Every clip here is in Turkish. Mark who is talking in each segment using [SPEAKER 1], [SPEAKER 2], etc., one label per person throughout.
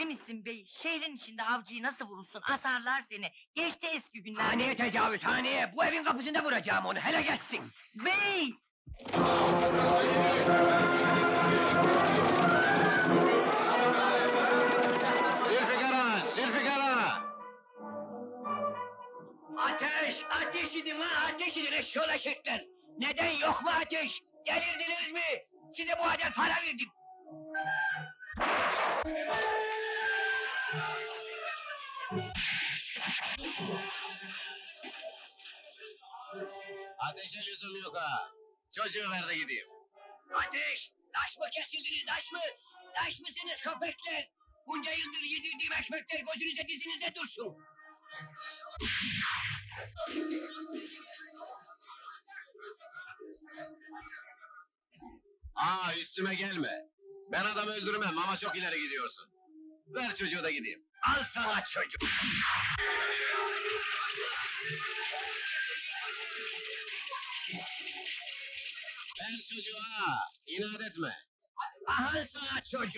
[SPEAKER 1] Deli misin bey? Şehrin içinde avcıyı nasıl vurursun? Asarlar seni. Geçti eski günler.
[SPEAKER 2] Haneye tecavüz, haneye! Bu evin kapısında vuracağım onu, hele geçsin!
[SPEAKER 1] Bey!
[SPEAKER 3] Zülfikar, Zülfikar!
[SPEAKER 2] Ateş! Ateş edin lan, ateş edin eşşoğlu eşekler! Neden yok mu ateş? Delirdiniz mi? Size bu kadar para verdim!
[SPEAKER 3] Ateşe lüzum yok ha! Çocuğu ver de gideyim.
[SPEAKER 2] Ateş! Taş mı kesildiniz, taş mı? Taş mısınız köpekler? Bunca yıldır yedirdiğim ekmekler gözünüze dizinize dursun!
[SPEAKER 3] Üstüme gelme! Ben adam öldürmem ama çok ileri gidiyorsun. Ver çocuğu da gideyim.
[SPEAKER 2] Al sana çocuk!
[SPEAKER 3] Ver çocuğu ha! İnat etme!
[SPEAKER 2] Al sana çocuk!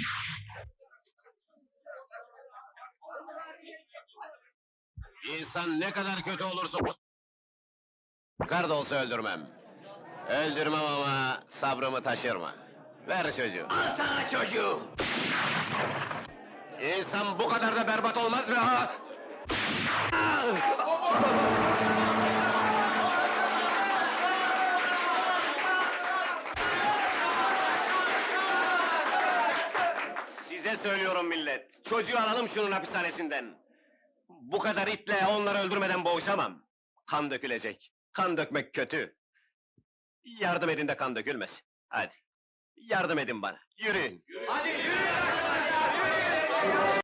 [SPEAKER 3] İnsan ne kadar kötü olursa... Kar da olsa öldürmem. Öldürmem ama sabrımı taşırma. Ver çocuğu.
[SPEAKER 2] Al sana çocuğu!
[SPEAKER 3] İnsan bu kadar da berbat olmaz mı ha? Size söylüyorum millet. Çocuğu alalım şunun hapishanesinden. Bu kadar itle onları öldürmeden boğuşamam. Kan dökülecek. Kan dökmek kötü. Yardım edin de kan dökülmesin. Hadi. Yardım edin bana. Yürüyün.
[SPEAKER 2] Hadi yürü!